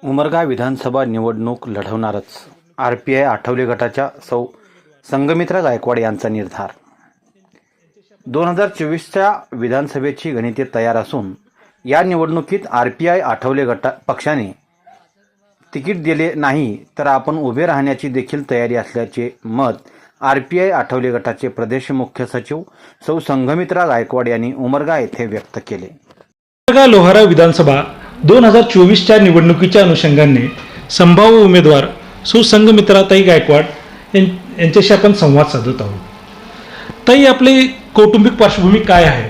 उमरगा विधानसभा निवडणूक लढवणारच RPI आठवले गटाच्या सौ संघमित्रा गायकवाड यांचा निर्धार। 2024च्या विधानसभेची गणिते तयार असून या निवडणुकीत RPI आठवले गट पक्षाने तिकीट दिले नाही तर आपण उभे राहण्याची देखील तयारी असल्याचे मत RPI आठवले गटाचे प्रदेश मुख्य सचिव सौ संघमित्रा गायकवाड यांनी उमरगा येथे व्यक्त केले। उमरगा लोहारा विधानसभा 2024च्या निवडणुकीच्या अनुषंगाने संभाव्य उमेदवार सौ संघमित्राताई गायकवाड यांच्याशी आपण संवाद साधत आहोत। ताई, आपली कौटुंबिक पार्श्वभूमी काय आहे?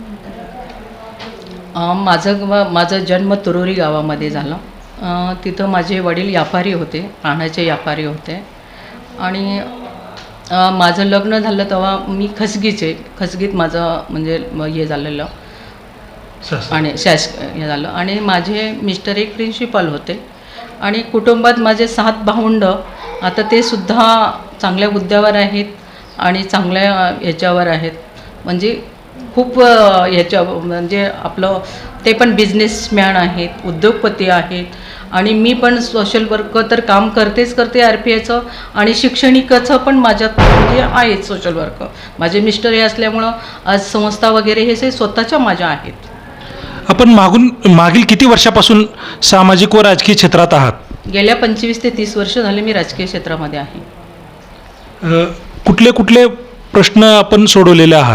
माझा जन्म तुरोरी गावामध्ये झाला। तिथं माझे वडील व्यापारी होते, पाण्याचे व्यापारी होते आणि माझं लग्न झालं तेव्हा मी खसगीत माझं म्हणजे हे झालेलं आणि हे झालं आणि माझे मिस्टर एक प्रिन्सिपल होते आणि कुटुंबात माझे 7 भावंड आता ते सुद्धा चांगल्या हुद्द्यावर आहेत आणि चांगल्या ह्याच्यावर आहेत, म्हणजे खूप ह्याच्या म्हणजे आपलं ते पण बिझनेसमॅन आहेत, उद्योगपती आहेत आणि मी पण सोशल वर्क तर काम करते RPIचं आणि शिक्षणिकाचं पण माझ्यात म्हणजे आहे सोशल वर्क। माझे मिस्टर हे असल्यामुळं आज संस्था वगैरे हे स्वतःच्या माझ्या आहेत। आपण मागील किती वर्षापासून सामाजिक व राजकीय क्षेत्रात आहात? गेल्या 25 ते 30 वर्ष झाले मी राजकीय क्षेत्रामध्ये आहे। कुठले प्रश्न आपण सोडवलेले आहात?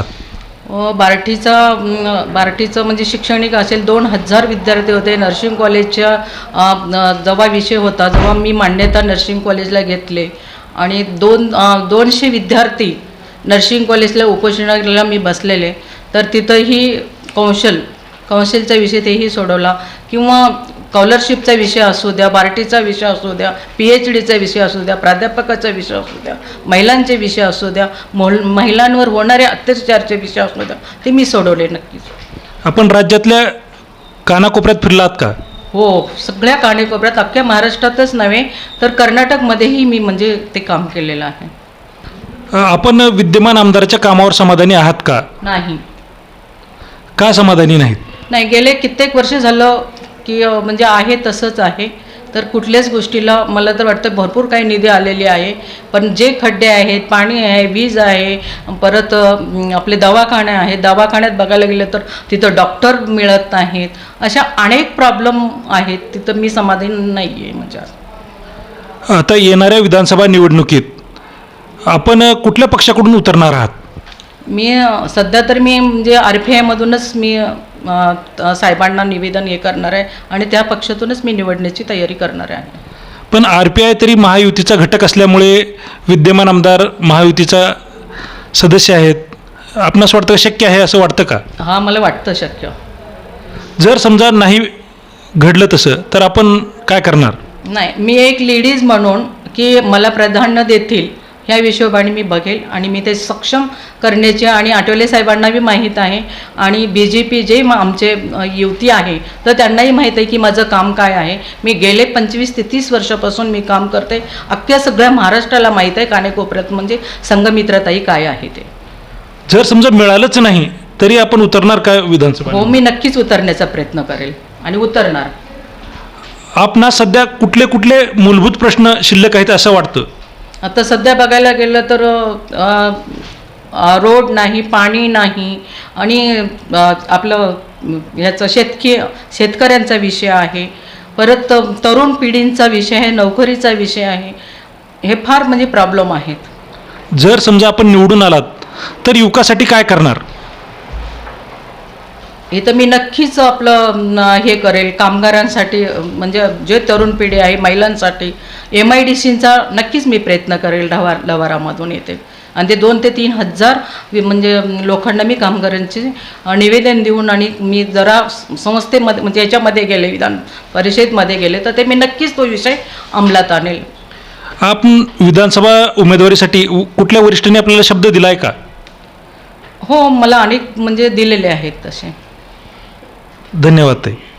बार्टीचं म्हणजे शैक्षणिक असेल 2000 विद्यार्थी होते। नर्सिंग कॉलेजच्या जेव्हा विषय होता जेव्हा मी मान्यता नर्सिंग कॉलेजला घेतले आणि 200 विद्यार्थी नर्सिंग कॉलेजला उपोषणाला मी बसलेले, तर तिथंही कौन्सिलचा विषय तेही सोडवला किंवा स्कॉलरशिपचा विषय असू द्या, बार्टीचा विषय असू द्या, PhDचा विषय असू द्या, प्राध्यापकाचा विषय असू द्या, महिलांचे विषय असू द्या, महिलांवर होणारे अत्याचारचे विषय असू द्या, ते मी सोडवले नक्कीच। आपण राज्यातल्या कानाकोपऱ्यात फिरलात का? हो, सगळ्या कानाकोपऱ्यात, अख्ख्या महाराष्ट्रातच नव्हे तर कर्नाटकमध्येही मी म्हणजे ते काम केलेलं आहे। आपण विद्यमान आमदाराच्या कामावर समाधानी आहात का? नाही। का समाधानी नाहीत? नाही, गेले कित्येक वर्ष झालं की म्हणजे आहे तसंच आहे, तर कुठल्याच गोष्टीला मला तर वाटतं भरपूर काही निधी आलेली आहे, पण जे खड्डे आहेत, पाणी आहे, वीज आहे, परत आपले दवाखाने आहेत, दवाखान्यात बघायला गेलं तर तिथं डॉक्टर मिळत नाहीत, अशा अनेक प्रॉब्लेम आहेत, तिथं मी समाधानी नाही आहे। म्हणजे आता येणाऱ्या विधानसभा निवडणुकीत आपण कुठल्या पक्षाकडून उतरणार आहात? मी सध्या तर मी म्हणजे RPIमधूनच मी साहेबांना निवेदन हे करणार आहे आणि त्या पक्षातूनच मी निवडण्याची तयारी करणार आहे। पण RPI तरी महायुतीचा घटक असल्यामुळे विद्यमान आमदार महायुतीचा सदस्य आहेत, आपणास वाटतं शक्य आहे असं वाटतं का? हां, मला वाटतं शक्य। जर समजा नाही घडलं तसं तर आपण काय करणार? नाही, मी एक लेडीज म्हणून की मला प्राधान्य देतील ह्या हिशोबाने मी बघेल आणि मी ते सक्षम करण्याचे आणि आठवले साहेबांना बी माहीत आहे आणि BJP जे आमचे युती आहे तर त्यांनाही माहीत आहे की माझं काम काय आहे। मी गेले 25 ते 30 वर्षापासून मी काम करते, अख्ख्या सगळ्या महाराष्ट्राला माहीत आहे कानेकोपऱ्यात म्हणजे संघमित्राताई काय आहे ते। जर समजा मिळालंच नाही तरी आपण उतरणार का विधानसभा? हो, मी नक्कीच उतरण्याचा प्रयत्न करेल आणि उतरणार। आपणास सध्या कुठले मूलभूत प्रश्न शिल्लक आहेत असं वाटतं? आता सध्या बघायला गेलं तर रोड नाही, पाणी नाही आणि आपलं ह्याचं शेतकऱ्यांचा विषय आहे, परत तरुण पिढींचा विषय आहे, नोकरीचा विषय आहे, हे फार म्हणजे प्रॉब्लेम आहेत। जर समजा आपण निवडून आलात तर युवकासाठी काय करणार? हे तर मी नक्कीच आपलं हे करेल, कामगारांसाठी म्हणजे जे तरुण पिढी आहे, महिलांसाठी MIDCचा नक्कीच मी प्रयत्न करेल। लवारामधून येते आणि ते 2 ते 3 हजार म्हणजे लोकांना मी कामगारांचे निवेदन देऊन आणि मी जरा संस्थेमध्ये म्हणजे याच्यामध्ये गेले, विधान परिषदेमध्ये गेले, तर ते मी नक्कीच तो विषय अंमलात आणेल। आपण विधानसभा उमेदवारीसाठी कुठल्या वरिष्ठांनी आपल्याला शब्द दिला आहे का? हो, मला अनेक म्हणजे दिलेले आहेत तसे। धन्यवाद ताई।